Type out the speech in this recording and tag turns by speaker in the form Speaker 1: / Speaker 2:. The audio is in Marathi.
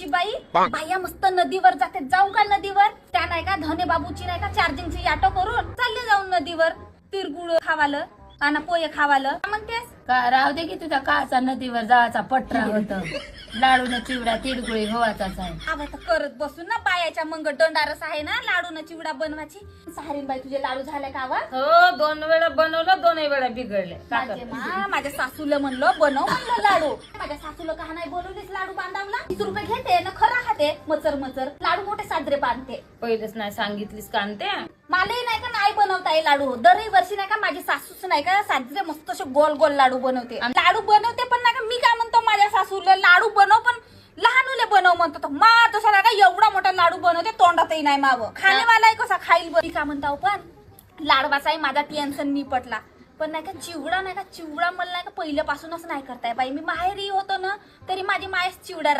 Speaker 1: नशीबाई बाया मस्त नदीवर जाते, जाऊ का नदीवर? त्या नाही का धने बाबूची नाही का चार्जिंगची ऑटो करून चालले जाऊन नदीवर तिरगुळ खावालं आणि पोहे खावालं. म्हणतेस
Speaker 2: का राहू दे की तुझा काचा नदीवर जायचा पटरा होत. लाडू न चिवडा तिडगुळी होवाचाच आहे.
Speaker 1: आवा तर करत बसून ना बायाच्या मंग दंडारस आहे ना लाडू न चिवडा बनवायची. सारीन बाई तुझे लाडू झाले का आवा?
Speaker 2: हो 2 वेळा बनवलं, 2 वेळा बिघडले.
Speaker 1: माझ्या सासूला म्हणलं बनव म्हणलं लाडू. माझ्या सासूला का नाही बनवलीस लाडू बांधावला? 20 रुपये घेते ना खरा खाते मचर मचर. लाडू मोठे साजरे बांधते.
Speaker 2: पहिलेच नाही सांगितलीस कांते.
Speaker 1: मलाही नाही का नाही बनवता येईल लाडू. दरही वर्षी नाही का माझी सासूच नाही का साजरे मस्त असे गोल गोल लाडू बनवते. लाडू बनवते पण नाही का मी काय म्हणतो माझ्या सासूला लाडू बनव पण लहानुले बनव म्हणतो. मा तसा नाही का एवढा मोठा लाडू बनवते तोंडातही नाही मावं. खाणेवालाही कसा खाईल बरी का म्हणता पण लाडवाचाही माझा टेन्शन निपटला. पण नाही का चिवडा नाही का चिवडा मला नाही का पहिल्यापासूनच नाही करताय बाई. मी माहेरी होतो ना तरी माझी मायच चिवडा